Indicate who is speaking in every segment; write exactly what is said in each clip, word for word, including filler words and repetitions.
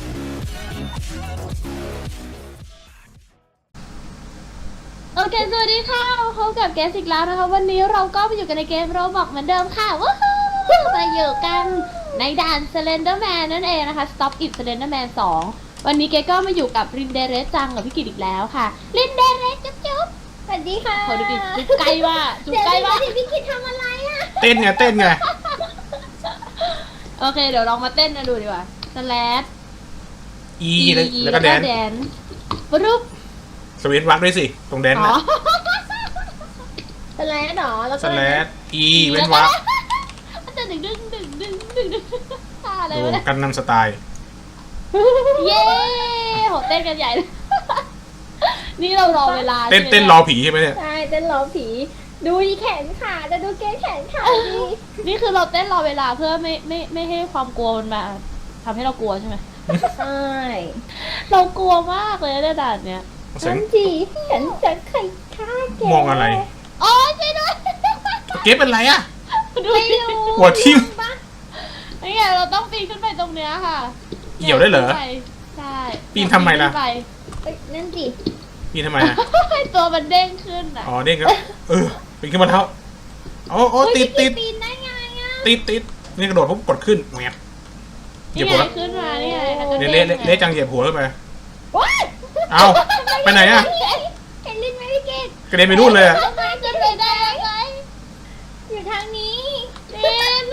Speaker 1: โอเคสวัสดีค่ะพบกับแกสอีกแล้วนะคะวันนี้เราก็มาอยู่กันในเกมโรบอกเหมือนเดิมค่ะว้าวมาอยู่กันในด่าน Slenderman นั่นเองนะคะ Stop It Slenderman สองวันนี้เกก็มาอยู่กับรินเดเรสจังกับพี่กิตอีกแล้วค่ะรินเดเรสจุ๊บจุ๊บสวัสดีค่ะโหดูดิจุ๊บใกล้ว่าจุ๊บใกล้ว่าพี่กิตทำอะไรอ่ะ
Speaker 2: เต้นไงเต้นไง
Speaker 1: โอเคเดี๋ยวลองมาเต้นกันดูดีกว่าสแลด
Speaker 2: อีแล้วก็แดน
Speaker 1: ปุ๊บ
Speaker 2: สวิตช์วักด้วยสิตรงแดนน่ะ
Speaker 1: สแลดหรอแล้วก็
Speaker 2: สแลดอีเว้นวัก
Speaker 1: มันจะดึงดึงดึงดึงดึงดึงอะไรวะเนี่ย
Speaker 2: กันนำสไตล์
Speaker 1: เย้โหเต้นกันใหญ่เลยนี่เรารอเวลา
Speaker 2: เต้นเต้นรอผีใช่ไหมเนี่ย
Speaker 1: ใช่เต้นรอผีดูแขนขาจะดูเกแขนขาดีนี่คือเราเต้นรอเวลาเพื่อไม่ไม่ไม่ให้ความกลัวมันมาทำให้เรากลัวใช่ไหมใช่เรากลัวมากเลยในด่านเนี้ยฉันจีฉันจะไข่ฆ่าแก
Speaker 2: มองอะไร
Speaker 1: อ๋อใช่ด้วย
Speaker 2: เก็บเป็นไรอ่ะ
Speaker 1: ดูดิ
Speaker 2: หัวทิ่ม
Speaker 1: นี่ไงเราต้องปีนขึ้นไปตรงเนี้ยค่ะ
Speaker 2: เหี่ยวได้เหรอ
Speaker 1: ใช่
Speaker 2: ปีนทำไมล่ะ
Speaker 1: นั่นสิ
Speaker 2: ปีนทำไมอ่ะ
Speaker 1: ตัวมันเด้งขึ้นอ่ะ
Speaker 2: อ๋อเด้งครับเออปีนขึ้นมาเท้าโอ้โอ้ติดติด
Speaker 1: ปีนได้ไงอ่ะ
Speaker 2: ติดติดนี่กระโดดปุ๊บกดขึ้นแหวก
Speaker 1: เหยียบหัวขึ้นมานี่ไง
Speaker 2: เละเละเละจังเหยียบหัวขึ้นไปเอาไปไหนอ่ะ
Speaker 1: เห็นลิ้นไหมพี่เกด
Speaker 2: กระเด็นไปนู่นเลยอ่ะ
Speaker 1: จะไปได้ไงอยู่ทางนี้ลิ้น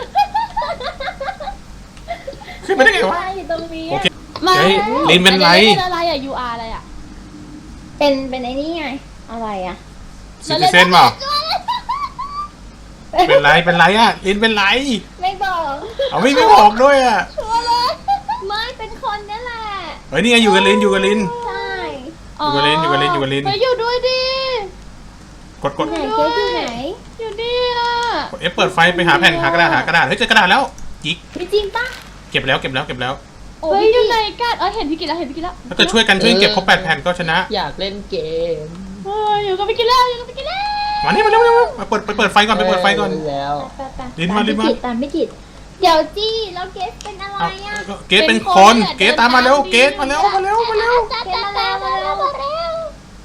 Speaker 2: ขึ้นไปได้ไงวะ
Speaker 1: อยู่ตรงนี้
Speaker 2: โอเคลิ้นเป็นไร
Speaker 1: เป็นอะไรอ่ะ ยู อาร์ อะไรอ่ะเป็นเป็นไอ้นี่ไงอะไรอ่ะ
Speaker 2: ซิติเซนเปล่าเป็นไรเป็นไรอ่ะลิ้นเป็นไร
Speaker 1: ไม่บอก
Speaker 2: เอาไม่ไม่บอกด้วยอ่ะ
Speaker 1: ชัวร์เลยไม่เป็นคนนี่แหละ
Speaker 2: เฮ้ยนี่ไงอยู่กับลิ้นอยู่กับลิ้น
Speaker 1: ใช่
Speaker 2: อยู่กับลิ้นอยู่กับลิ้นอยู่กับลิ้น
Speaker 1: ไปอยู่ด้วยดิ
Speaker 2: กดกด
Speaker 1: ไหนเจ๊อยู่ไหนอยู่นี่อ่ะ
Speaker 2: กดเอฟเปิดไฟไปหาแผ่นหากระดาษหากระดาษเฮ้ยเจอกระดาษแล้วจิก
Speaker 1: จริงปะ
Speaker 2: เก็บแล้วเก็บแล้วเก็บแล้ว
Speaker 1: เฮ้ยอยู่ไหนกันเออเห็นพี่กินแล้วเห็นพี่กินแล้ว
Speaker 2: ถ้าเกิดช่วยกันช่วยเก็บครบแปดแผ่นก็ชนะ
Speaker 3: อยากเล่นเกม
Speaker 1: เฮ้ยอยู่กับพี่กินแล้วอยู่กับพี่กินแล้ว
Speaker 2: มานี่มาเร็วมาเปิดไปเปิดไฟก่อนไปเปิดไฟก่อน
Speaker 3: แล้ว
Speaker 2: ลิ้นมาลิ้นมา
Speaker 1: ตามพี่กินเดี๋ยวจี้แล้วเกสเป็นอะไรอ่ะ
Speaker 2: เกสเป็นคนเกสตามมาเร็วเกสมาเร็วมาเร็วมาเร็ว
Speaker 1: เกสมาแล้วมาแล้วมาแล้ว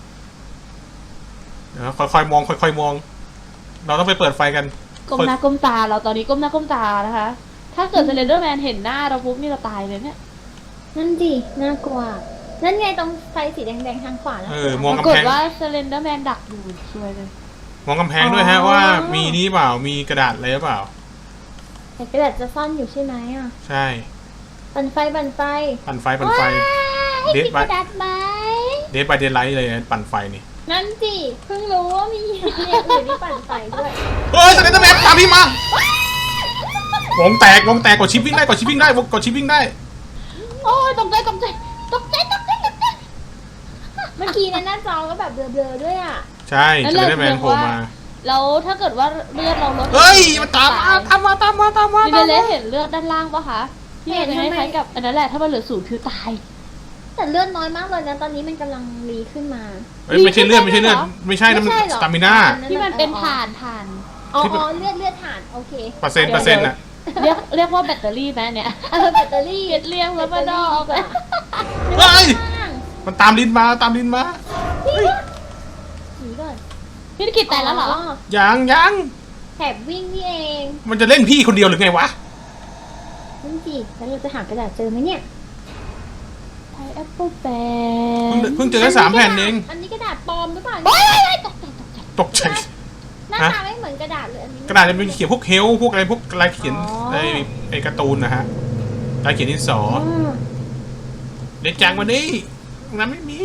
Speaker 2: เดี๋ยวค่อยๆมองค่อยๆมองเราต้องไปเปิดไฟกัน
Speaker 1: ก้มหน้าก้มตาเราตอนนี้ก้มหน้าก้มตานะคะถ้าเกิดสเลนเดอร์แมนเห็นหน้าเราปุ๊บนี่เราตายเลยเนี่ยนั่นดิน่ากลัวนั่นไงตรงไฟสีแดงๆทางขวาแล้ว
Speaker 2: เออมองกำแพง
Speaker 1: ปรากฏว่าสเลนเดอร์แมนดักอยู่ช่วยเลย
Speaker 2: มองกำแพงด้วยฮะว่ามีนี่เปล่ามีกระดาษอะไรหรือเปล่า
Speaker 1: แต่กระดาษจะซ่อนอยู่ใช่ไหมอ่ะ
Speaker 2: ใช่
Speaker 1: ปั่นไฟปั่นไฟ
Speaker 2: ปั่นไฟปั่นไฟ
Speaker 1: เดทไป
Speaker 2: เดทไปเดทไลท์เลยปั่นไฟนี่
Speaker 1: นั่นสิเพิ่งรู้ว่ามีเนี่ยอื่นที่ปั่นไฟด้วย
Speaker 2: เฮ้ยสเลนเดอร์แมนตามพี่มาวงแตกวงแตกกดชิปวิ่งได้กดชิปวิ่งได้กดชิปวิ่งได้
Speaker 1: โอ้ยตกใจตกใจตกใจตกใจตกใจเมื่อกี้ในหน้าจอก็แบบเบลอๆด้วยอ่ะ
Speaker 2: ใช่สเลนเดอร์แมนโผล่มา
Speaker 1: แล้วถ้าเกิดว่าเลือดเราลด
Speaker 2: เฮ้ยมันตามมาตามมาตามมาตามมา
Speaker 1: ดิเดเลเห็นเลือดด้านล่างปะคะที่เห็นคล้ายๆกับอันนั้นแหละถ้ามันเหลือศูนย์คือตายแต่เลือดน้อยมากเลยนะตอนนี้มันกำลังรีขึ้นมา
Speaker 2: ไม่ใช่เลือดไม่ใช่เลือดไม่ใช่นะมันสตามิน่า
Speaker 1: ที่มันเป็นถ่านถ่านอ๋อเลือดเลือดถ่านโอเค
Speaker 2: เปอร์เซ็นต์เปอร์เซ็นต์อะ
Speaker 1: เรียกเรียกว่าแบตเตอรี่ไหมเนี่ยเออแบตเตอรี่เรียกแล้วมาดอก
Speaker 2: เฮ้ยมันตามลิ้นมาตามลิ้นมา
Speaker 1: หนีก่อนพี่กิตตายแล้วเหรอ
Speaker 2: ยังยัง
Speaker 1: แถบวิ่งนี่เอง
Speaker 2: มันจะเล่นพี่คนเดียวหรือไงวะ
Speaker 1: นั่นสิแล้วเราจะหากระดาษเจอไหมเนี่ยไทยแอปเปิลแปน
Speaker 2: เพิ่งเจอแค่สามแผ่นเอง
Speaker 1: อันนี้กระดาษปลอมหรือเปล่าตกใจตกใจ
Speaker 2: ตกใจ
Speaker 1: หน้าตาไม่เหมือนกระดาษเลยอันนี้
Speaker 2: กระดาษจะเป็นเขียนพวกเฮลพวกอะไรพวกลายเขียนไอ้ไอ้การ์ตูนนะฮะลายเขียนดินสอเด็กจังวันนี้งั้นไม่มี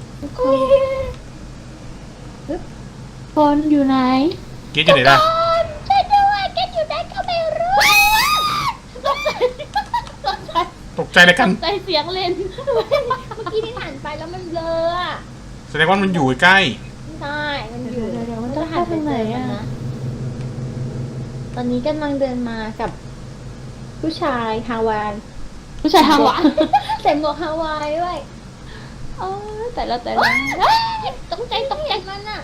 Speaker 1: คนอยู่ไหน
Speaker 2: เกตอยู่ไหนล่ะ
Speaker 1: ช่วยด้วยเกตอยู่ไหนก็ไม่รู้ตกใจตกใจ
Speaker 2: ตกใจอะไรกัน
Speaker 1: ตกใจเสียงเล่นเมื่อกี้ที่ผ่านไปแล้วมันเบลออะ
Speaker 2: แสดงว่ามันอยู่ใกล้
Speaker 1: ใช่มันอยู่เดี๋ยวมันต้องหันไปไหนอะตอนนี้กำลังเดินมากับผู้ชายฮาวายผู้ชายฮาวายใส่หมวกฮาวายด้วยอ๋อแต่ละแต่ละตกใจตกใจมันอะ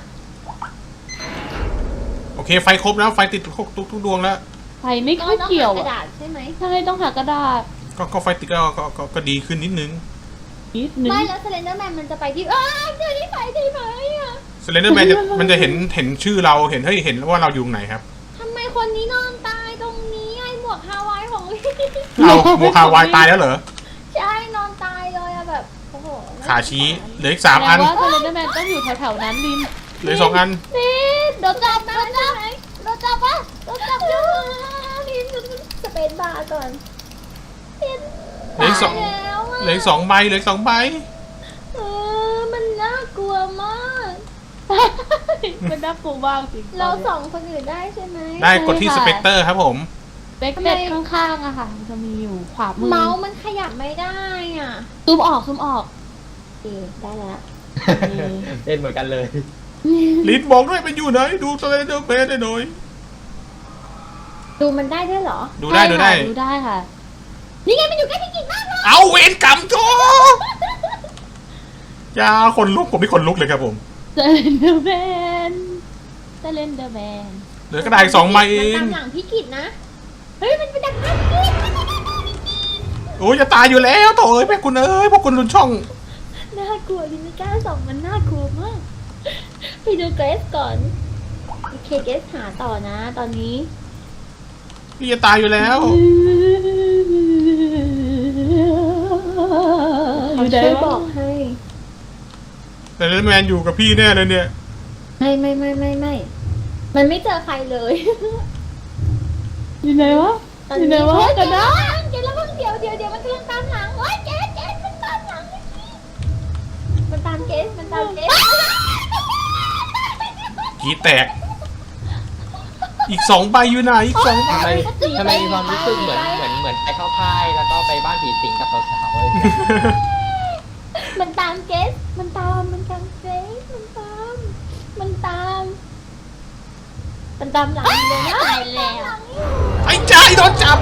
Speaker 2: โอเคไฟครบแล้วไฟติดทุกทุกทุกดวงแล้ว
Speaker 1: ไฟไม่ค่อยเกี่ยวกระดาษใช่ไหมใช่ต้องหากระดาษ
Speaker 2: ก็ก็ไฟติดก็ก็ก็ก็ดีขึ้นนิดนึง
Speaker 1: นิดนึง
Speaker 3: ไม่แล้วสเลนเดอร์แมนมันจะไปที่อ้าวเจอที่ไปได้ไหมอ่ะ
Speaker 2: สเลนเดอร์แมนจะมันจะเห็นเห็นชื่อเราเห็นเฮ้ยเห็นว่าเราอยู่ไหนครับ
Speaker 3: ทำไมคนนี้นอนตายตรงนี้ไอ้หมวกฮาวายของพี่
Speaker 2: เราโมคาวายตายแล้วเหรอ
Speaker 3: ใช่นอนตายเลยอะแบบโอ้โห
Speaker 2: ขาชี้เหลืออีกสามอัน
Speaker 1: แปลว่าเซเลนเดอร์แมนต้องอยู่แถวๆนั้นลิน
Speaker 2: เหลืออกสองอัน
Speaker 3: นี่โดนจับโดนจับโดนจับปะโดนจับอยู่นี่สเปนบาร์ก่อนเป็น
Speaker 2: เหลืออีกสอง
Speaker 3: ตายแล้วอะ
Speaker 2: เหลืออีกสองใบเหลืออีกสองใบ
Speaker 3: เออมันน่ากลัวมาก
Speaker 1: มันน่ากลัวมากจริง
Speaker 3: เราส่องคนอื่นได้ใช่ไหม
Speaker 2: ได้กดที่สเปกเตอร์ครับผม
Speaker 1: เบคเบ็ดข้างๆอะค่ะมันจะมีอยู่ขวามือ
Speaker 3: เมาส์มันขยับไม่ได้อ่ะ
Speaker 1: ซูมออกซูมออก
Speaker 3: โอเคได้แล้ว
Speaker 4: เล่นเหมือนกันเลย
Speaker 2: ลินบอกด้วยมันอยู่ไหนดูสเลนเดอร์แมนได้หน่อย
Speaker 3: ดูมันได้ด้วยเหรอ
Speaker 2: ดูได้ดูได้
Speaker 1: ดูได้ค่ะ
Speaker 3: นี่ไงมันอยู่ใกล้พี่กิ๊กมากเลย
Speaker 2: เอาเวรกรรมโจยาคนลุกผมที่คนลุกเลยครับผม
Speaker 1: เซเลนเดอร์แมนเซเลนเดอร์แมน
Speaker 2: เหลือกระดาษอีกสองใบเอ
Speaker 3: มัน
Speaker 2: ง
Speaker 3: ตามหลังพี่กิ๊กนะ เฮ้ยมันไปดักหน้าพี่กิ๊ก
Speaker 2: โอ้ยจะตายอยู่แล้วโถ่เอ้ยแม่คุณเอ้ยพวกคุณรุนช่อง
Speaker 3: น่ากลัวดิไม่กล้าส่องมันน่ากลัวมาก ไปดูเกรสก่อน โอเคเกรสหาต่อนะ ตอนนี้
Speaker 2: พี่จะตายอยู่แล้ว
Speaker 1: อยู่ไหน
Speaker 3: ช่วยบ
Speaker 1: วะ
Speaker 3: อกให้
Speaker 2: แต่เลนแมนอยู่กับพี่แน่เลยเนี่ย
Speaker 3: ไม่ไม่ไม่ไม่ไม่ มันไม่เจอใครเลย
Speaker 1: อยู่ไหนวะ
Speaker 3: ตอน
Speaker 1: อยู่ไหน
Speaker 3: นี้
Speaker 1: วะ
Speaker 3: เฮ้ย
Speaker 1: กันนะ
Speaker 3: เกรสแล้วเพิ่งเดี๋ยวเดี๋ยวเดี๋ยวมันกำลังตามหลังโอ้ยเกรสเกรสมันตามหลังมันตามเกรสมันตามเกรส
Speaker 2: กีแตก อีกสองใบอยู่ไหนอีกสองใบ
Speaker 4: ทำไมทำไมมีความรู้สึกเหมือนเหมือนเหมือนไปเข้าค่ายแล้วก็ไปบ้านผีสิงกับสาวๆเลย
Speaker 3: มันตามเกรสมันตามมันตามเกรสมันตาม มันตาม มันตามหลังเลยนะตายแล้ว
Speaker 2: ไอ้ใจโดนจับ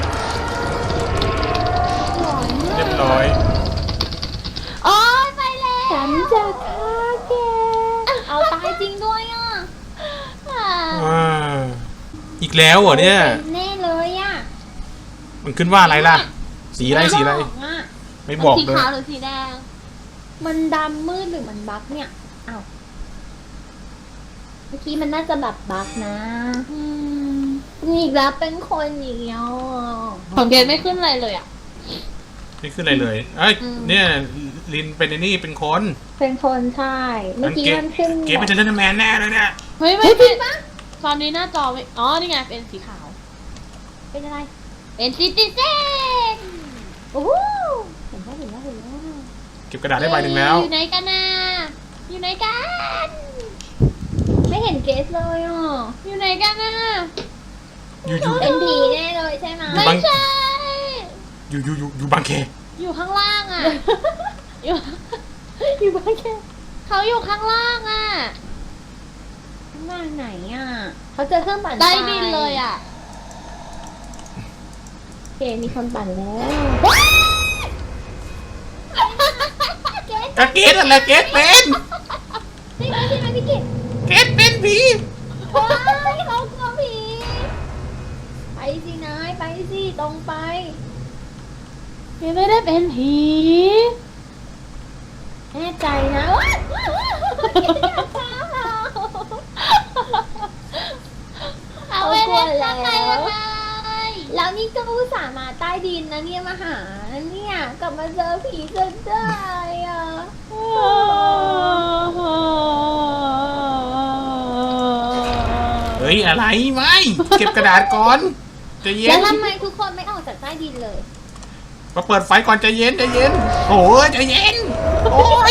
Speaker 2: เรียบร้อย
Speaker 3: โอ้ยไปแล้วฉันจะฆ่าแกเอาตายจริงด้วยอ่ะ
Speaker 2: อ่าอีกแล้วเหรอเนี่ย
Speaker 3: เป็นแน่เลยอ่ะ
Speaker 2: มันขึ้นว่าอะไรล่ะ สีอะไรสีอะไร
Speaker 3: ม่บกอะ
Speaker 2: ไม่บอก
Speaker 1: สี
Speaker 2: เลย
Speaker 1: ขาวหรือสีแดง
Speaker 3: มันดำมืดหรือมันบั๊กเนี่ยอ้าวเมื่อกี้มันน่าจะแบบบั๊กนะ
Speaker 1: อืม
Speaker 3: นี่อีกแล้วเป็นคนอย่างเงี้ย
Speaker 1: ของเกณฑ์ไม่ขึ้นอะไรเลยอ่ะ
Speaker 2: ไม่ขึ้นอะไรเลยเอ้ย
Speaker 1: อืม
Speaker 2: เนี่ยลินเป็นไอ้นี่เป็นคน
Speaker 3: เป็นคนใช่ เมื่อกี้มันขึ้น
Speaker 2: เกมเป็นเทนแมนแน่เลยเนี่ย
Speaker 1: เฮ้ยไม่
Speaker 3: เฮ้ยจริงปะ
Speaker 1: ตอนนี้หน้าจอไม่อ๋อ นี่ไง เป็นสีขาว
Speaker 3: เป็นอะไร
Speaker 1: เป็นซิติเซน
Speaker 3: โอ้โหเห็นแล้วเห็นแล้วเห็นแล้ว
Speaker 2: เก็บกระดาษได้ใบหนึ่งแล้ว
Speaker 1: อยู่ไหนกันนะอยู่ไหนกัน
Speaker 3: ไม่เห็นเกสเลยอ่ะ
Speaker 1: อยู่ไหนกันนะ
Speaker 2: อยู่อยู่
Speaker 3: เป็นผีแน่เลยใช่ไหม
Speaker 2: อยู่
Speaker 1: ไม่
Speaker 2: บาง
Speaker 1: ใช่
Speaker 2: อยู่อยู่อยู่อยู่บางแค
Speaker 1: อยู่ข้างล่างอ่ะ อยู่
Speaker 3: อยู่บ้านแค่
Speaker 1: เขาอยู่ข้างล่างอ่ะ
Speaker 3: ข้างล่างไหนอ่ะเขาเจอเครื่องปั่นไฟ
Speaker 1: ใต้ดินเลยอ่ะ
Speaker 3: โอเคมีคนปั่นแล้ว เกส
Speaker 2: กะเกตอะไรเกตเป็น
Speaker 3: ใช่ไหมใช่ไหมพี่กิต
Speaker 2: เกตเป็นผี
Speaker 3: ว้ายเขากลัวผีไปสินายไปสิตรงไป
Speaker 1: ยังไม่ได้เป็นผี
Speaker 3: แน่ใจนะว้ายว้ายว้ายเกสอย่าฆ่าเรา
Speaker 1: เอาไปเล่นข้างในยังไง
Speaker 3: แล้วนี่ก็อุตส่าห์มาใต้ดินนะเนี่ยมาหาเนี่ยกลับมาเจอผีจนได้อ่ะ
Speaker 2: เฮ้ยอะไรไม่เก็บกระดาษก่อนใจเย็
Speaker 3: แล้ว
Speaker 2: น
Speaker 3: ทำไมทุกคนไม่ออกจากใต้ดินเลย
Speaker 2: มาเปิดไฟก่อนใจเย็นใจเย็นโอ้ยใจเย็นโอ้ย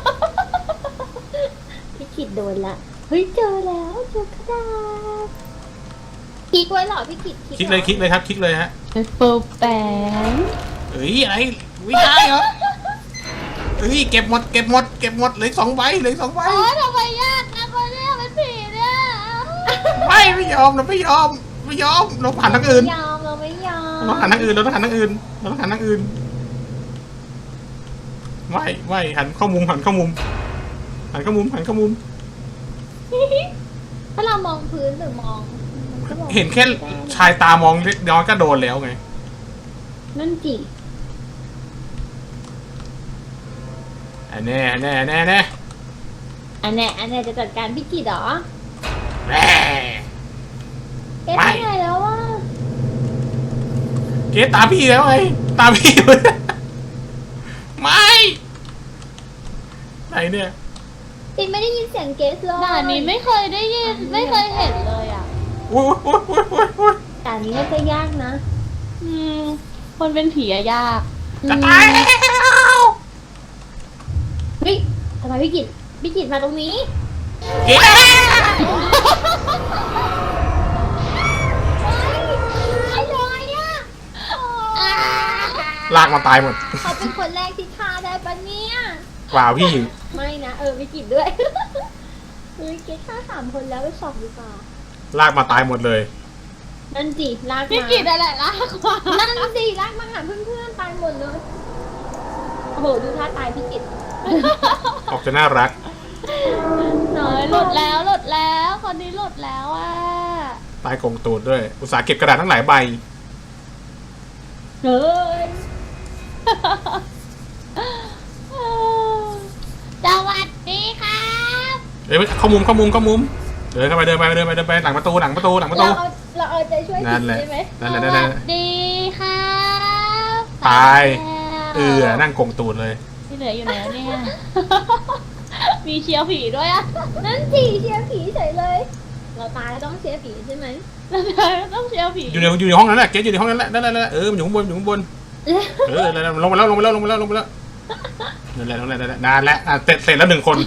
Speaker 3: พี่ขิดโดนละ เฮ้ยเจอแล้วเจอกระดาษคลิกไว้เหรอพี่ขิด
Speaker 2: คลิกเลยคลิกเลยครับคลิกเลยฮะ
Speaker 1: เป็นปูแปง
Speaker 2: เฮ้ยอะไรไม่ได้เหรอเฮ้ยเก็บหมดเก็บหมดเก็บหมดเหลยสองใบเหลยสองใบ
Speaker 1: โอ้ยทำไมยากนะคนเนี้ยเป็นผีเนี่ย
Speaker 2: ไม่ไม่ยอมเราไม่ยอมไม่ยอมเราผ่านทางอื่น
Speaker 3: ไม่ยอมเราไม่ยอม
Speaker 2: เราต้องหันทางอื่นเราต้องหันทางอื่นเราต้องหันทางอื่นไม่ไม่หันเข้ามุมหันเข้ามุมหันเข้ามุมหันเข้ามุม
Speaker 3: ถ้าเรามองพื้นหรือมองมัก็มอง
Speaker 2: เห็นแค่ชายตามองเล็กน้อยก็โดนแล้วไง
Speaker 3: นั่นจิ
Speaker 2: อันแน่อันแน่อันแน่อันแน่
Speaker 3: อันเนี้ยอันเนี้ยจะจัดการพี่กิดเหรอ
Speaker 2: แน่
Speaker 3: เกสไปไหนแล้วอ่ะ
Speaker 2: เกตตามพี่แล้วไงตามพี่เลยไม่ไหนเนี่ย
Speaker 3: ตินไม่ได้ยินเสียงเกสเลย
Speaker 1: ด่านนี้ไม่เคยได้ยินไม่เคยเห็นเลยอ่ะ
Speaker 2: อุ้ยอุ้ยอุ้ยอุ้ยอุ้ย
Speaker 3: ด่านนี้น่าจะยากนะ
Speaker 1: อืมคนเป็นผีอะยาก
Speaker 2: จะตายแล้ว
Speaker 3: เฮ้ยทำไมพี่กิดพี่กิดมาตรงนี้
Speaker 2: เกต
Speaker 3: ไอ้ลอยอ่ะ
Speaker 2: ลากมาตายหมด
Speaker 3: เขาเป็นคนแรกที่ฆ่าได้ปะเนี่ย
Speaker 2: เปล่าพี่
Speaker 3: ไม่นะเออพี่กิดด้วย เฮ้ยเกสฆ่าสามคนแล้วไปสองดีกว่า
Speaker 2: ลากมาตายหมดเลย
Speaker 3: นั่นสิลากมา
Speaker 1: พี่กิดอะไรล่ะกว่า
Speaker 3: นั่นสิลากมาหาเพื่อนๆตายหมดเลยโอ้โหดูท่าตายพี่กิด
Speaker 2: ออกจะน่ารัก
Speaker 3: น้อ
Speaker 1: เอ้
Speaker 3: ย
Speaker 1: ยหลุดแล้วหลุดแล้วคนนี้หลุดแล้วอ่ะ
Speaker 2: ตายกงตูดด้วย อุตส่าห์เก็บกระดาษทั้งหลายใบ
Speaker 3: เฮ้ย
Speaker 1: สวัสดีครับ
Speaker 2: เอ้ยเข้ามุมเข้ามุมเข้ามุม เดินเข้าไปเดินไปเดินไปเดินไปหลังประตูหลังประตูหลังประตู
Speaker 3: เราเอาเราเอาใจช่วย
Speaker 2: นั่นแหละ
Speaker 3: ใช่ไหม
Speaker 2: นั่นแหละ
Speaker 1: ส
Speaker 2: นั่นแห
Speaker 1: วั
Speaker 2: ละ
Speaker 1: สดีครับ
Speaker 2: ตาย
Speaker 1: แล้ว
Speaker 2: เออนั่งกงตูดเลย
Speaker 1: ที่เหลืออยู่ไหนวะเนี่ย มีเชียวผีด้วยอ่ะ
Speaker 3: นั่นสิเชียร์ผีเฉยเลย เราตายแล้วต้องเชียร์ผีใช่ไหม
Speaker 1: แล้วต้องเชียวผี
Speaker 2: อยู่ในอยู่ในห้องนั้นแหละเกสอยู่ในห้องนั้นแหละนั่นแหละนั่นแหละเออมันอยู่ข้างบนอยู่ข้างบนเออนั่นแหละลงมาแล้วลงมาแล้วลงมาแล้วลงมาแล้วนั่นแหละนั่นแหละนั่นแหละนานแล้วอ่ะเสร็จเสร็จแล้วหนึ่งคน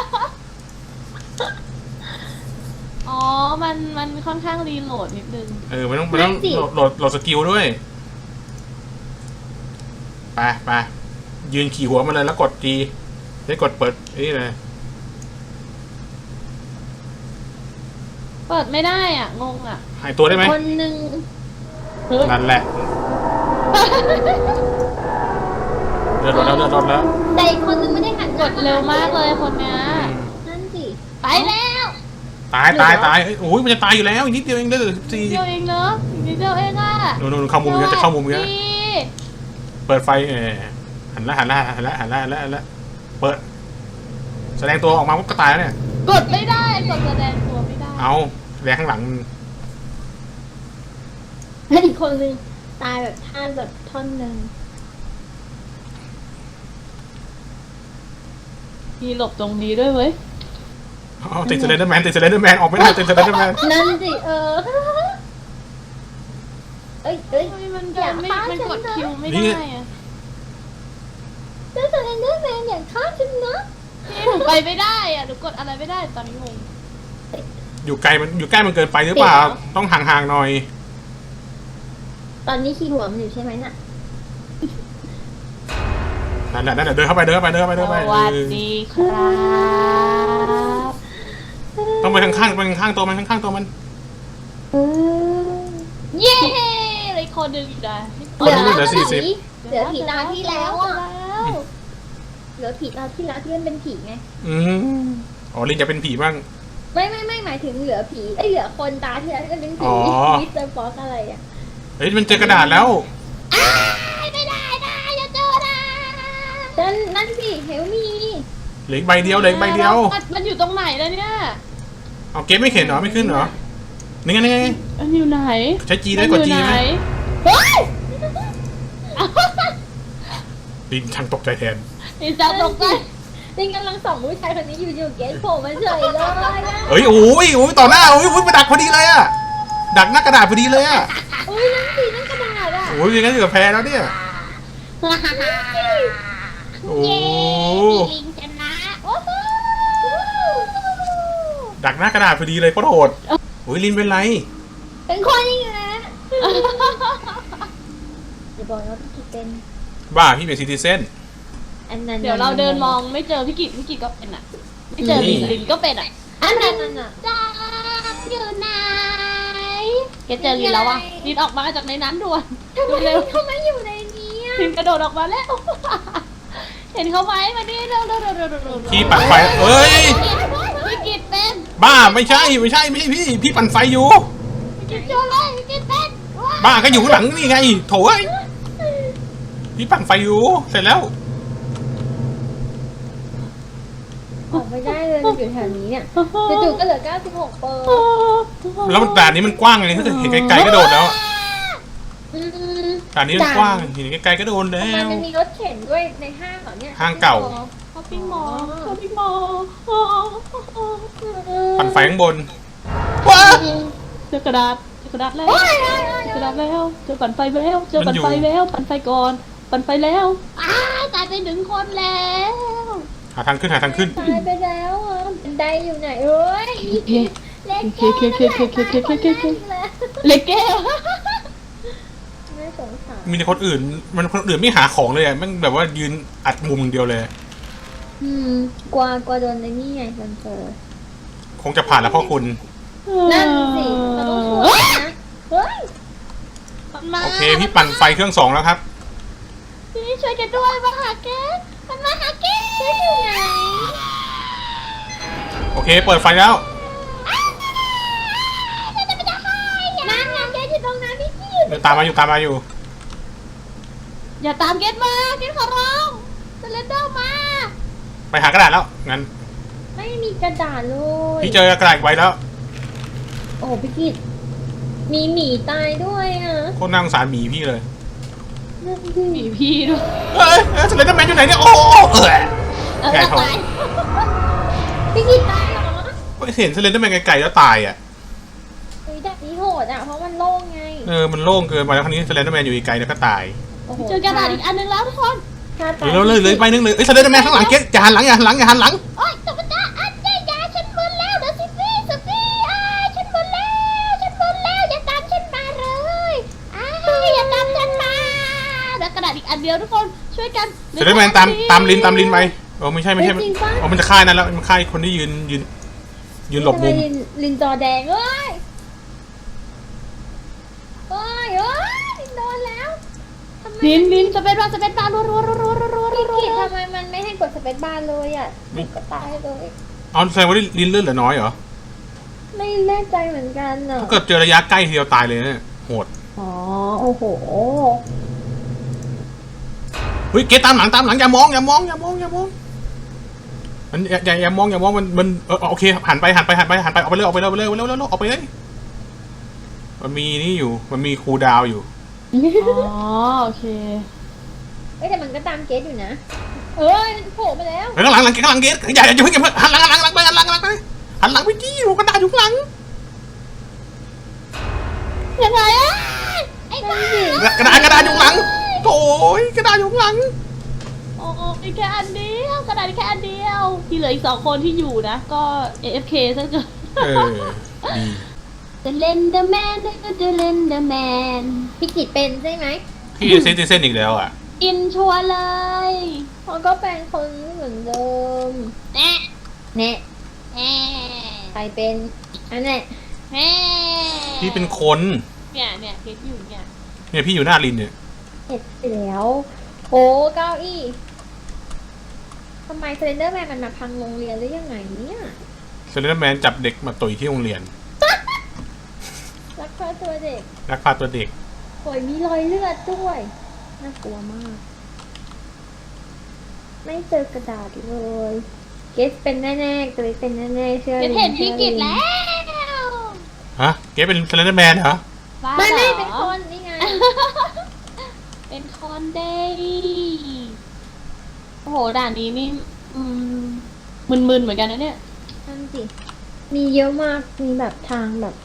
Speaker 1: อ๋อ มันมันค่อนข้างรีโหลดนิดนึง
Speaker 2: เออมันต้องมันต้องโหลดโหลดโหลดสกิลด้วยไปไปยืนขี่หัวมันเลยแล้วกดจีได้กดเปิดนี่เลย
Speaker 1: เปิดไม่ได้อ่ะ งงอ่ะ
Speaker 2: หายตัวได้ไหม
Speaker 3: คนหนึ่ง
Speaker 2: นั่นแหละเดือดร้อนแล้วเดือดร้อนแล้ว
Speaker 3: แต่อีกคนนึงไม่ได้หันห
Speaker 1: ก
Speaker 3: น้า
Speaker 1: ดเร็วมากเลยคนเนี้ย
Speaker 3: นั่นสิ
Speaker 1: ไปแล้ว
Speaker 2: ตายตายตายเอ้ยโอ้ยมันจะตายอยู่แล้วอีกนิดเดียวเองเหลือสิบสี่
Speaker 1: เดียวเองเนอะอีกนิดเดียวเองอ่ะ
Speaker 2: โน่นโน่นเข้ามุมเยอะจะเข้ามุมเยอะ
Speaker 1: สวัสดี
Speaker 2: เปิดไฟเออหันละหันละหันละหันละหันละหันละเปิด แสดงตัวออกมาปุ๊บก็ตายแล้วเนี่ย
Speaker 1: กดไม่ได้ กดแสดงตัวไม่ได้
Speaker 2: เอาแสดงข้างหลัง
Speaker 3: แล้วอีกคนนึงตายแบบท่าแบบท่อนหนึ่ง
Speaker 1: มีหลบตรงนี้ด้วยเว้ย
Speaker 2: เอาติดสไลเดอร์แมนติดสไลเดอร์แมนออกไม่ได้ติดสไลเดอร์แมน
Speaker 3: นั่นสิเออเอ้ยเอ้ย
Speaker 1: เฮ้ยมัน
Speaker 3: อย่า
Speaker 1: ไม่
Speaker 3: ฆ่า
Speaker 1: มัน
Speaker 3: ฉัน
Speaker 1: กด
Speaker 3: นะ
Speaker 1: คิวไม่ได้อะ
Speaker 3: เจ้าสแลนเดอร์แมนอย่าฆ่าฉันนะ
Speaker 1: พี่หนูไปไม่ได้อ่ะหนูกดอะไรไม่ได้ตอนนี้งง
Speaker 2: อยู่ไกลมันอยู่ใกล้มันเกินไปหรือเปล่า ต้องห่างๆหน่อย
Speaker 3: ตอนนี้ขี่หัวมันอยู่ใช่ไหมน่ะ
Speaker 2: นั่นแหละนั่นแหละเดินเข้าไปเดินเข้าไปเดินเข้าไป
Speaker 1: ส
Speaker 2: เดินเข้าไป
Speaker 1: วัสดีครับ
Speaker 2: ต้องไปข้างๆไปข้างๆตัวมันข้างๆตัวมัน
Speaker 3: เออ
Speaker 1: เย้อะไรคนหนึ่งอีกนะ
Speaker 2: คนนี้เหลือสี่สิบ
Speaker 3: เหลือผีตาที่แล้วอ่ะ
Speaker 1: แล้ว
Speaker 3: เหลือผีตาที่แล้วที่มันเป็นผีไง
Speaker 2: อืมอ๋อลินจะเป็นผีบ้าง
Speaker 3: ไม่ไม่ไม่หมายถึงเหลือผีไอยเหลือคนตาที่แล้วก็เป็นผี
Speaker 2: อ๋อ
Speaker 3: มิสเตอร์ฟ็อกอะไรอ่ะ
Speaker 2: เฮ้ยมันเจอกระดาษแล้ว
Speaker 1: ไม่ได้นะอย่าเจอนะ
Speaker 3: นั่นนั่นสิเฮลมี
Speaker 2: เหลืออีกใบเดียวเหลืออีกใบเดียว
Speaker 1: มันมันอยู่ตรงไหนแล้วเนี่ย
Speaker 2: เอาเกมไม่เห็นเหรอไม่ขึ้นเหรอนี่ไงนี่ไง
Speaker 1: มันอยู่ไหน
Speaker 2: ใช้จีได้กดจี
Speaker 1: มันอยู่
Speaker 2: ไหม
Speaker 1: ไหน
Speaker 3: เฮ้ย
Speaker 2: ลินช่างตกใจแทน
Speaker 1: นี่จะตกใจ
Speaker 3: ลิงกำลังส่องผู้ชายคนนี้อยู่อยู่เกสโผล่มาเฉยเลยอะ
Speaker 2: เฮ้ยโอ้ยโอ้ยต่อหน้าโอ้ยโอ้ยมาดักพอดีเลยอะดักหน้ากระดาษพอดีเลยอะ
Speaker 3: อุ้ยนั่นสินั่นกระดาษอ่ะ
Speaker 2: โอ้ยอย่างนั้นอยู่กับแพรแล้วเนี่ยโอ้
Speaker 1: เย้ลิงชนะโอ้โห
Speaker 2: ดักหน้ากระดาษพอดีเลยโคตรโหดโอ้ยลินเป็นไร
Speaker 3: เป็นคนยังไงนะอย่าบอกว่าพี่กิตเป็น
Speaker 2: บ้าพี่เป็นซิติเซน
Speaker 3: อันนั้น
Speaker 1: เดี๋ยวเราเดินมองไม่เจอพี่กิจพี่กิจก็เป็นอ่ะ ไม่เจอลินลินก็เป็นอ่ะ
Speaker 3: อันนั้นน่ะ
Speaker 1: จังอยู่ไหนแกเจอลินแล้วอ่ะลินออกมาจากในนั้นด่วน
Speaker 3: ทำไม
Speaker 1: เร็ว
Speaker 3: ทำไมอยู่ในนี้อะ
Speaker 1: ลินกระโดดออกมาแล้ว เห็นเขาไหมมาดิเร็วเร็วเร็วเร็วเร็วเร็ว
Speaker 2: พี่ปั่นไฟเอ้ย
Speaker 1: พี่กิจเป็น
Speaker 2: บ้าไม่ใช่ไม่ใช่ไม่ใช่พี่พี่ปั่นไฟอยู่
Speaker 1: พี่กิจเจอเลยพี่กิจเป็นว้าว
Speaker 2: บ้าก็อยู่ข้างหลังนี่ไงโถ่เอ้ยพี่ปั่นไฟอยู่เสร็จแล้ว
Speaker 3: ออกไม่ได้เลยมันอยู่แถวนี้เนี่ยจู่ๆก็เหลือเก้าสิบหกเปอร์
Speaker 2: แล้วมันด่านนี้มันกว้างไงถ้าเกิดเห็นไกลๆก็โดดแล้วอะ
Speaker 3: อืม
Speaker 2: ด่านนี้มันกว้างเห็นไกลๆก็โดนแล้
Speaker 3: ทำไม
Speaker 2: ว
Speaker 3: มันมีรถเข็นด้วยในห้างเหรอเนี่ย
Speaker 2: ห้างเก่า
Speaker 1: ช้อปปิ้งมอลล์ช้อปปิ้งมอลล์
Speaker 2: ปั่นไฟข้างบนว้า
Speaker 1: เจอกระดาษเจอกระดาษแล้วเจอกระดาษแล้วเจอปั่นไฟแล้วเจอปั่นไฟแล้วปั่นไฟก่อนปั่นไฟแล้วอ้าวตายไปหนึ่งคนแล้ว
Speaker 2: หาทางขึ้นหาทางขึ้น
Speaker 3: ตายไปแล้วอ่ะบันไดอยู่ไหนเอ้ย
Speaker 1: โอเค
Speaker 3: เล็ก
Speaker 1: โอเค
Speaker 3: แก้ว
Speaker 1: โอเคโอเคโอเคโอเคโอเคโอเคเล็กแก้ว
Speaker 3: ไม่สงสาร
Speaker 2: มีแต่คนอื่นมันคนอื่นไม่หาของเลยอะมันแบบว่ายืนอัดมุมอย่างเดียวเลย
Speaker 3: อืมกลัวกลัวโดนในนี่ไงซันเฟอร์
Speaker 2: คงจะผ่านแล้วพ่อคุณ
Speaker 3: นั่นสิเราต้องช่วยนะเฮ้ย
Speaker 1: มันมา
Speaker 2: โอเคพี่ปั่นไฟเครื่องสองแล้วครับ
Speaker 1: พี่ช่วยกันด้วยมาหาแกมันมาหาแก
Speaker 3: ช่วยอยู่ไหน
Speaker 2: โอเคเปิดไฟแล้ว
Speaker 3: นั่นไงแกอยู่ตรงนั้นพี่กี้
Speaker 2: เดี๋ยวตามมาอยู่ตามมาอยู่
Speaker 1: อย่าตามเกตมาเกตขอร้องสเลนเดอร์มา
Speaker 2: ไปหากระดาษแล้วงั้น
Speaker 3: ไม่มีกระดาษเลย
Speaker 2: พี่เจอกระดาษอีกใบแล้ว
Speaker 3: โอ้พี่กี้มีหมีตายด้วยอ่ะ
Speaker 2: โคตรน่าสงสารหมีพี่เลย
Speaker 3: นั่นดิ
Speaker 1: มีพี่ด้วย
Speaker 2: เฮ้ยสเลนเดอร์แมนอยู่ไหนเนี่ยโอ้โหเออ
Speaker 1: เออ
Speaker 2: แกเขา
Speaker 1: ตาย
Speaker 3: พี่กี้ตายเหรอ
Speaker 2: เห็นสเลนเดอร์แมนไกลๆแล้วตายอ่ะ
Speaker 3: เฮ้ยแบบนี้โหดอ่ะเพราะมันโล่งไง
Speaker 2: เออมันโล่งเกินไปแล้วคราวนี้สเลนเดอร์แมนอยู่ไกลๆแล้วก็ตาย
Speaker 3: โอ้โห
Speaker 1: เจอกระดาษอีกอันหนึงแล้วทุกคน
Speaker 3: ถ้าตา
Speaker 2: เดี๋ยวเลยเลยไปนึงเลยเอ้ยสเลนเดอร์แมนข้างหลังเก๊อย่าหันหลังอย่าหันหลังอย่าหันหลัง
Speaker 1: โอ๊ยตบตาอันเจยาฉันมึนแล้วเดี๋ยวสิฟี่สิฟี่อ้ายฉันมึนแล้วฉันมึนแล้วอย่าตามฉันมาเลยอ้ายอย่าตามฉันมาเดี๋ยวกระดาษอีกอันเดียวทุกคนช่วยกัน
Speaker 2: สเลนเดอร์แมนตามตามลินตามลินไปโอ้ไม่ใช่ไม่ใช่โอ้มันจะฆ่านั่นแล้วมันฆ่าคนที่ยืนยืนยืนหลบมุม
Speaker 3: ทำไลินลินจอแดงเอ้ยเอ้ยเอ้ยลินโดนแล้วทำไม
Speaker 1: ลินลินจะเป็นว่าจะเป็นบารัวรัวรัวรัวรัวรัว
Speaker 3: พี่
Speaker 1: รัว
Speaker 3: กิทำไมมันไม่ให้กดสเปซบาร์เลยอ่ะติดก็ตายเลย
Speaker 2: เอาแสดงว่าลินเลือดเหลือน้อยเหรอ
Speaker 3: ไม่แน่ใจเหมือนกันอ่ะ
Speaker 2: ถ้าเกิดเจอระยะใกล้ทีเดียวตายเลยเนี่ยโหด
Speaker 3: อ๋อโอ้โห
Speaker 2: เฮ้ยเกตตามหลังตามหลังอย่ามองอย่ามองอย่ามองอย่ามองมันอย่าอย่าอย่ามองอย่ามองมันมันเออโอเคหันไปหันไปหันไปหันไปออกไปเลยออกไปเลยออกไปเลยออกไปเลยออกไปเลยมันมีนี่อยู่มันมีคูลดาวน์อยู่
Speaker 1: อ๋อโอเค
Speaker 3: เอ้ยแต่มันก็ตามเกสอยู่นะเอ้ยมันโผล่มาแล้ว
Speaker 2: เฮ้ยข้างหลังหลังข้างหลังเกตอย่าอย่าเพิ่งอย่าเพิ่งหันหลังหันหลังหันหลังไปหันหลังหันหลังไปหันหลังไปจี้หัวกระดาษอยู่ข้างหลัง
Speaker 1: ยังไงอะไอ้บ้าก
Speaker 2: ระดาษกระดาษอยู่ข้างหลังโอ้ยกระดาษอยู่ข้างหลัง
Speaker 1: โอ้มีแค่อันเดียวกระดาษมีแค่อันเดียวที่เหลืออีกสองคนที่อยู่นะก็ เอ เอฟ เค ซะเกิน
Speaker 2: เออดี
Speaker 1: The Lenderman The Lenderman
Speaker 3: พี่กิทเป็นใช่ไหม
Speaker 2: พี่เซนติเซนอีกแล้วอ่ะ
Speaker 1: อินชัวร์เลย
Speaker 3: เขาก็เป็นคนเหมือนเดิม
Speaker 1: แน่
Speaker 3: แน่
Speaker 1: แน่
Speaker 3: ใครเป็นอันนี้
Speaker 1: แน่
Speaker 2: พี่เป็นคน
Speaker 1: เนี่ยเนี่ยเคสอยู่เนี่ย
Speaker 2: เนี่ยพี่อยู่หน้าลินเนี่ย
Speaker 3: เห็ดไปแล้วโอ้เก้าอี้ทำไมเซนเดอร์แมนมันมาพังโรงเรียนหรือยังไงเนี่ย
Speaker 2: เซเลนแมนจับเด็กมาต่อยที่โรงเรียน
Speaker 3: รักพาตัวเด็ก
Speaker 2: รักพาตัวเด็ก
Speaker 3: โอยมีรอยเลือดด้วยน่ากลัวมาก ไม่เจอกระดาษเลย เกสเป็นแน่ๆเกสเป็นแน่ๆเชื่อ
Speaker 1: เคสเห็นพี่กิจแล้ว
Speaker 2: ฮะเกเป็นเซเลนแมนเหรอ
Speaker 1: บ้า
Speaker 3: ไม่
Speaker 1: เหร
Speaker 3: ไม่
Speaker 1: อ
Speaker 3: เป็นคนนี่ไง
Speaker 1: เป็นคอนเดย์โอ้โหด่านนี้นี่อืมมึนๆเหมือนกันนะเนี่ย
Speaker 3: นั่นสิ มีเยอะมาก มีแบบทางแบบ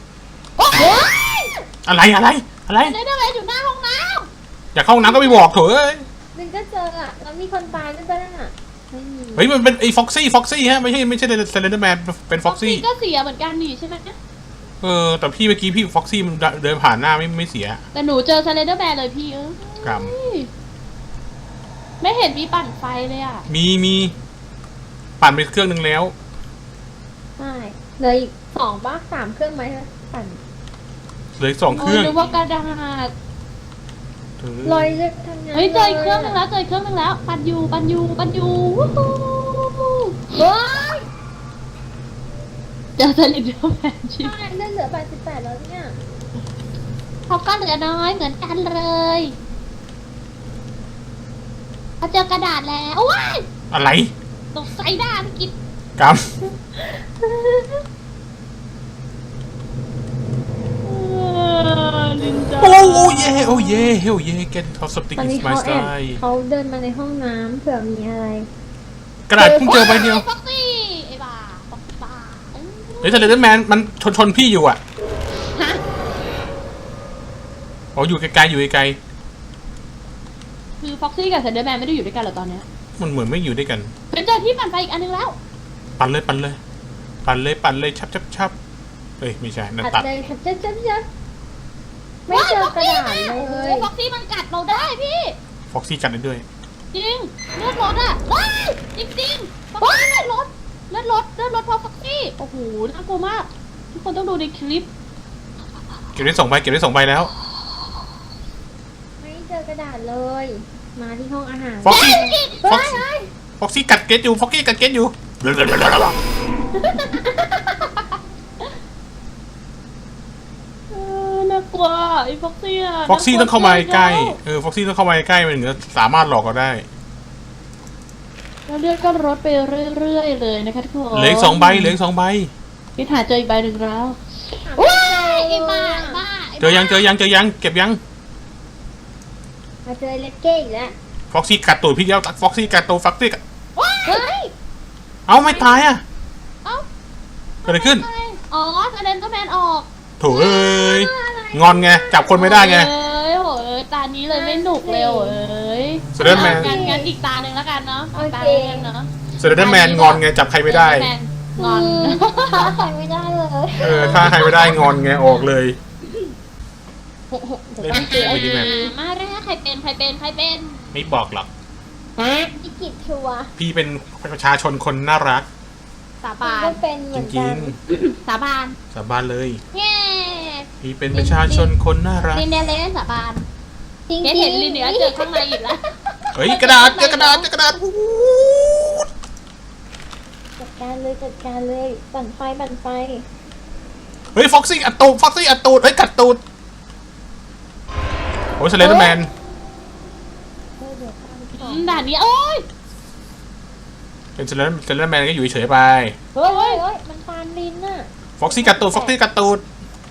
Speaker 2: อะไรอะไรอะไร
Speaker 1: ได้ได้ไหมอยู่หน้าห้องน้
Speaker 2: อยากเข้าห้องน้ำก็ไปบอกเถอะเอ้ย
Speaker 3: นึงก็เจออ่ะ แล้วมีคนตายด้วยป่ะนั่นอ่ะ ไม่มี
Speaker 2: เฮ้ยมันเป็นไอ้ฟ็อกซี่ฟ็อกซี่ฮะไม่ใช่ไม่ใช่เซเลนแมนเป็น
Speaker 1: ำ
Speaker 2: ฟ็อกซี่
Speaker 1: ก็เสียเหมือนกันนี่ใช่ไหม
Speaker 2: เออแต่พี่เมื่อกี้พี่ฟ็อกซี่มันเดินผ่านหน้าไม่ไม่เสีย
Speaker 1: แต่หนูเจอสไลเดอร์แมนเลยพี่เออก
Speaker 2: รรม
Speaker 1: ไม่เห็นมีปั่นไฟเลยอ่ะ
Speaker 2: มีมีปั่นไปเครื่องนึงแล้ว
Speaker 3: ใช่เหลยอีกสองบ้าสามเครื่องไหมปั่น
Speaker 2: เหลืออกสองเครื่อง
Speaker 1: โนึกว่ากระดาษ
Speaker 2: เออ
Speaker 3: รอยเลือดทั้งนั้น
Speaker 1: เฮ้ยเจออีกเครื่องนึงแล้วเจออีกเครื่องนึงแล้ว ปั่นอยู่ปั่นอยู่ปั่นอยู่วู้ฮู้
Speaker 3: เฮ้ย
Speaker 1: เจอสไลเดอร์แมนชิบ
Speaker 3: ใช่เลือดเหลือแปดสิบแปดแล้วเนี่ย
Speaker 1: เขาก็เหลือน้อยเหมือนกันเลยเขาเจอกระดาษแล้วว้าย
Speaker 2: อะไร
Speaker 1: ตกใจหน้าพี่กิจ
Speaker 2: กรรม
Speaker 1: นินจา
Speaker 2: โอ้โอ้เย่โอ้เย่โอ้เย่ get how something
Speaker 3: ตอน
Speaker 2: is
Speaker 3: นี้
Speaker 2: my
Speaker 3: เขาแอบ
Speaker 2: style
Speaker 3: เขาเดินมาในห้องน้ำเผื่อมีอะไร
Speaker 2: กระดาษเพิ่งเจอใบเดียว
Speaker 1: ฟ็อกซี่ไอ้บ้าฟ็อกซี่บ้า
Speaker 2: เฮ้ยสเลนเดอร์แมนมันชนชนพี่อยู่อ่ะ
Speaker 1: ฮะ
Speaker 2: อ๋ออยู่ไกลๆอยู่ไกล
Speaker 1: คือฟ็อกซี่กับเซนเดอร์แมนไม่ได้อยู่ด้วยกันเหรอตอนเนี้ย
Speaker 2: ๆมันเหมือนไม่อยู่ด้วยกัน
Speaker 1: เป็นเจอที่ปั่นไฟอีกอันนึงแล้ว
Speaker 2: ปั่นเลยปั่นเลย ปั่นเลยปั่นเลยชับชับชับเฮ้ยไม่ใช่นั่น
Speaker 3: อัด
Speaker 2: ตัด
Speaker 3: เลยค่ะจ๊ะจ๊ะจ๊ะไม่เจอกระดาษเล
Speaker 1: โอ้โห
Speaker 3: ย
Speaker 1: ฟ็อกซี่มันกัดเราได้พี่
Speaker 2: ฟ็อกซี่กัดได้ด้วย
Speaker 1: จริงเลือดรถอ่ะว้ายจริงจริงๆฟ็อกซี่เลือดรถเลือดรถเลือดรถเพราะฟ็อกซี่โอ้โหน่ากลัวมาก ทุกคนต้องดูในคลิป
Speaker 2: เก็บได้สองใบเก็บได้สองใบแล้ว
Speaker 3: ไม่เจอกระดาษเลย มาที่ห้องอาหาร
Speaker 2: ฟ็อกซี่
Speaker 1: เฮ้
Speaker 2: ฟ็อก
Speaker 1: ย
Speaker 2: ซี่
Speaker 1: เฮ้ย
Speaker 2: ฟ็อกซี่กัดเกตอยู่ฟ็อกซี่กัดเกตอยู่
Speaker 1: เออน่ากลัวไอ้ฟ็อกซี่อะ
Speaker 2: ฟ็อกซี่ต้องเข้ามาใกล้
Speaker 1: น่กลัว
Speaker 2: เออฟ็อกซี่ต้องเข้ามาใกล้มันถึงจะสามารถหลอกเราได้
Speaker 1: แล้วเลือดก็ลดไปเรื่อยๆเลยนะคะทุกคน
Speaker 2: เหลืออีกสองใบเหลืออีกสองใบ
Speaker 1: พี่ถ่ายเจออีกใบหนึ่งแล้ว
Speaker 3: หา
Speaker 1: ว้า
Speaker 3: ไม่
Speaker 1: ย
Speaker 3: เจ
Speaker 1: ไอ้
Speaker 3: อ
Speaker 1: บ้าไอ้บ้าไบ้า
Speaker 2: เจอยังเจอยังเจอยังเก็บยัง
Speaker 3: มาเจอเลกเก้อีกแล้ว
Speaker 2: ฟ็อกซี่กัดตูดพี่แล้วฟ็อกซี่กัดตูดฟ็อกซี่กัด
Speaker 1: ว้าย
Speaker 3: เฮ้ย
Speaker 2: เอ้าไม่ตายอ่ะ
Speaker 1: เอ้า
Speaker 2: เกิดอะไรขึ้น
Speaker 1: อ๋อแสดงก็แมนออก
Speaker 2: โถ่เอ้ยงอนไงจับคนไม่ได้ไง
Speaker 1: เอ้ยโหยตานี้เลยไม่หนุกเลยโหย
Speaker 2: แสดงแมน
Speaker 1: งั้นงั้นอีกตาหนึ่งแล้วกันเนาะ
Speaker 3: โอ
Speaker 1: ตา
Speaker 3: เค
Speaker 1: หนึ่งเนาะ
Speaker 2: เซเลนเดอร์แมนงอนไงจับใครไม่ได้
Speaker 1: แมนงอน
Speaker 3: ฆ่าใครไม่ได้เลย
Speaker 2: เออถ้าใครไม่ได้งอนไงออกเลย
Speaker 3: เดี๋ยวต้องเจอ
Speaker 2: ไม่ได้แมน
Speaker 1: มาแรกใครเป็นใครเป็นใครเป็น
Speaker 2: ไม่บอกหรอก
Speaker 3: ฮะอีกิจชัวร์
Speaker 2: พี่เป็นประชาชนคนน่ารัก
Speaker 1: สา
Speaker 3: มัน
Speaker 1: บาน
Speaker 3: ก็เป็นเห
Speaker 2: จ
Speaker 3: มือน
Speaker 2: ริ
Speaker 3: กั
Speaker 2: ง
Speaker 3: น
Speaker 1: สาบาน
Speaker 2: ๆสาบานเลย
Speaker 1: เย้
Speaker 2: พี่เป็นประชาชนคนน่ารัก
Speaker 1: ลินเดเลนสาบาน
Speaker 3: จริง
Speaker 1: เก
Speaker 3: ๆ
Speaker 1: ดเห็นลินเดียเจอข้างในอีกแล้ว
Speaker 2: เฮ้ยกระดาษเจอกระดาษเจอกระดาษอู้หู
Speaker 3: จัดการเลยจัดการเลยปั่นไฟปั่นไฟ
Speaker 2: เฮ้ยฟ็อกซี่อัดตูดฟ็อกซี่อัดตูดเฮ้ยกัดตูดโอ้ยสเลนเดอร์แมน
Speaker 3: เออเดี๋ยวตามต่
Speaker 1: อื
Speaker 3: อ
Speaker 1: มด่านนี้โอ้ย
Speaker 2: เป็นสเลนสเลนเดอร์แมนก็อยู่เฉยๆไป
Speaker 3: เฮ้ยเฮ้ยเฮ้ยมันตามลินน่ะ
Speaker 2: ฟ็อกซี่กัดตูดฟ็อกซี่กัดตูด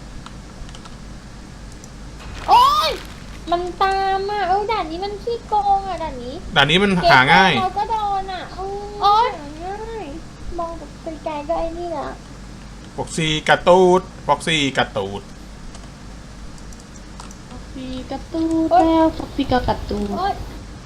Speaker 1: โอ้ย
Speaker 3: มันตามอ่ะเอ้ยด่านนี้มันขี้โกงอ่ะด่านนี้
Speaker 2: ด่านนี้มันหาง่าย
Speaker 3: เราก็โดนอ่ะเออ
Speaker 1: โอ๊ย
Speaker 3: หาง่ายมองแบบไกลๆก็ไอ้นี่แหละ
Speaker 2: ฟ็อกซี่กัดตูดฟ็อกซี่กัดตูด
Speaker 1: ฟ็อกซี่กระตูดแล้วฟ็อกซี่ก็กระตูด
Speaker 3: โอ๊ย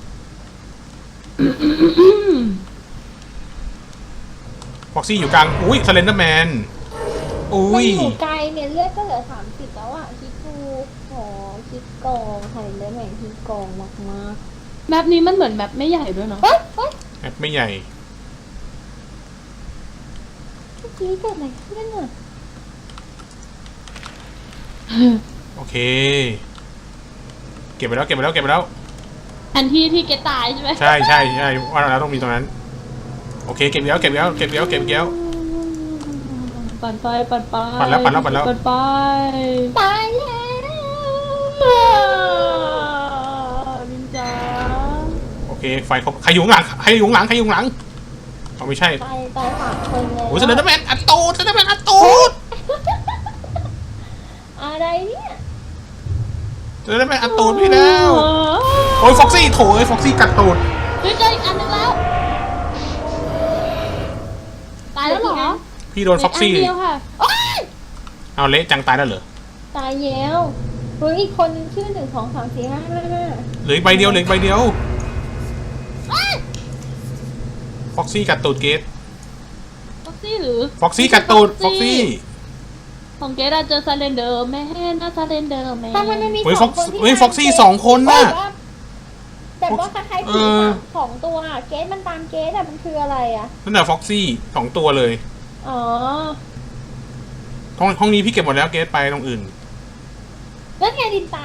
Speaker 2: ฟ็อกซี่อยู่กลางอุ้ยสเลนเดอร์แมนอุ้
Speaker 3: มัน
Speaker 2: ย
Speaker 3: อยู่ไกลเนี่ยเลือดก็เหลือสามสิบแล้วอ่ะคิดดูโหคิดโกงใครเลือดแม่งคิดโกงมาก
Speaker 1: แมปนี้มันเหมือนแมปไม่ใหญ่ด้วยเนาะ
Speaker 3: ๆเฮ้ยเฮ้ย
Speaker 2: แอปไม่ใหญ่
Speaker 3: เมื่อกี้เกิดอะไรขึ้นอ่ะ
Speaker 2: โอเค เก็บไปแล้วเก็บไปแล้วเก็บไปแล้ว
Speaker 1: อันที่ที่เกตตายใช่ไหม
Speaker 2: ใช่ใช่ใช่ว่าเราต้องมีตรงนั้น โอเคเก็บแล้วเก็บแล้วเก็บแล้วเก็บแล้ว
Speaker 1: ปั่นไปปั่นไป
Speaker 2: ปั่นแล้วปั่นแล้วปั่นแล้ว
Speaker 1: ปั่นไป
Speaker 3: ตายแล้ว
Speaker 1: นินจา
Speaker 2: โอเคไฟครบใครอยู่ข้างหลังใครอยู่ข้างหลังใครอยู่ข้างหลังเอาไม่ใช่
Speaker 3: ตายตายสามคนเลย
Speaker 2: โอ้ยสเลนเดอร์แมนอัดตูดสเลนเดอร์แมนอัดตูด
Speaker 3: อะไรเนี่ย
Speaker 2: สเลนเดอร์แมนอัดตูดพี่แล้วโอ้ยฟ็อกซี่โถเอ้ยฟ็อกซี่กัดตูด
Speaker 1: เฮ้ยเจออีกอันหนึงแล้ว ตายแล้วเหรอ
Speaker 2: พี่โดนฟ็อกซี่
Speaker 1: เหลืนเดียวค่ะโอ๊ย
Speaker 2: เอาเละจังตายแล้วเหรอ
Speaker 3: ตายแล้วเฮ้ยอีกคนนึงชื่อหนึ่งสองสามสี่ห้าห้าห้า
Speaker 2: เหลืออีกใบเดียวเหลืออีกใบเดียว
Speaker 1: เอ้ย
Speaker 2: ฟ็อกซี่กัดตูดเกต
Speaker 1: ฟ็อกซี่หรือ
Speaker 2: ฟ็อกซี่กัดตูดฟ็อกซี่
Speaker 1: ของเกดอะเจอซาเลนเดอร์แมนนะซาเลนเดอร์แมน
Speaker 3: ถ้ามันไม่มี
Speaker 2: เฮ้ย
Speaker 3: ส
Speaker 2: ฟ็
Speaker 3: อ
Speaker 2: อง ก
Speaker 3: คนที่
Speaker 2: เฮ้ย
Speaker 3: ตาม
Speaker 2: ฟ็อกซี่
Speaker 3: เกรท
Speaker 2: สองคนน่ะ
Speaker 3: แต่ว่าแต่ว่าคล้ายๆ
Speaker 2: เอ
Speaker 3: ผี
Speaker 2: อ
Speaker 3: สองตัวอะเกสมันตามเกสอะมันคืออะไรอะ
Speaker 2: นั่นแหละฟ็อกซี่สองตัวเลย
Speaker 3: อ๋อ
Speaker 2: ห้องห้องนี้พี่เก็บหมดแล้วเกตไปตรงอื่น
Speaker 3: นั่นไงดินตาย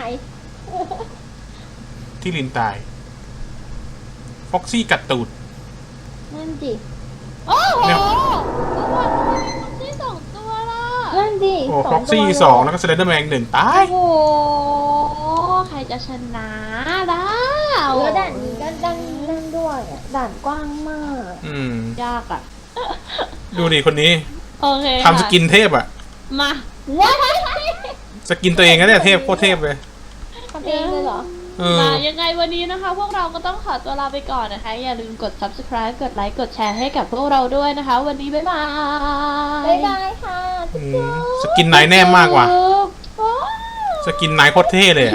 Speaker 2: ที่ลินตาย ฟ็อกซี่กัดตูด
Speaker 3: นั่นดิ
Speaker 1: โอ้โห
Speaker 2: เนี่ย
Speaker 1: ฟ็อกซี่สองตัวล่ะ
Speaker 3: นั่นดิ
Speaker 2: โอ้
Speaker 3: ส
Speaker 2: ฟ็
Speaker 3: อ
Speaker 2: อง ก
Speaker 3: ตัว
Speaker 2: ซี่
Speaker 3: เลย
Speaker 2: สองแล้วก็สเลนเดอร์แมนหนึ่งตาย
Speaker 1: โอ้โหใครจะชนะได้
Speaker 3: แล้วด่านนี้ก็ดังดังด้วยอะด่านกว้างมาก
Speaker 2: อืม
Speaker 1: ยากอ่ะ
Speaker 2: ดูดิคนนี้
Speaker 1: โอเค
Speaker 2: ทำสกินเทพอะ
Speaker 1: มา
Speaker 3: ว้าย
Speaker 2: สกินตัวเองนะเนี่ยเทพโคตรเทพเลย
Speaker 3: ทำเองเลยเหรอ
Speaker 2: เออ
Speaker 1: มายังไงวันนี้นะคะ พวกเราก็ต้องขอตัวลาไปก่อนนะคะ อย่าลืมกด ซับสไครบ์ กดไลค์กดแชร์ให้กับพวกเราด้วยนะคะ วันนี้บ๊ายบาย
Speaker 3: บ๊ายบายค่ะ
Speaker 2: อืมสกินไหนแน่มากกว่า
Speaker 3: ว้าว
Speaker 2: สกินไหนโคตรเท่เลยอะ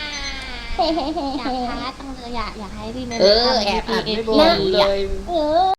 Speaker 3: เฮ้เฮ้เฮ้
Speaker 1: อยาก
Speaker 3: เฮ้
Speaker 1: ท้าจังเลยอยากอยากให้รีเมน
Speaker 4: เออแอบอัดไม่บอกเลย
Speaker 3: เออ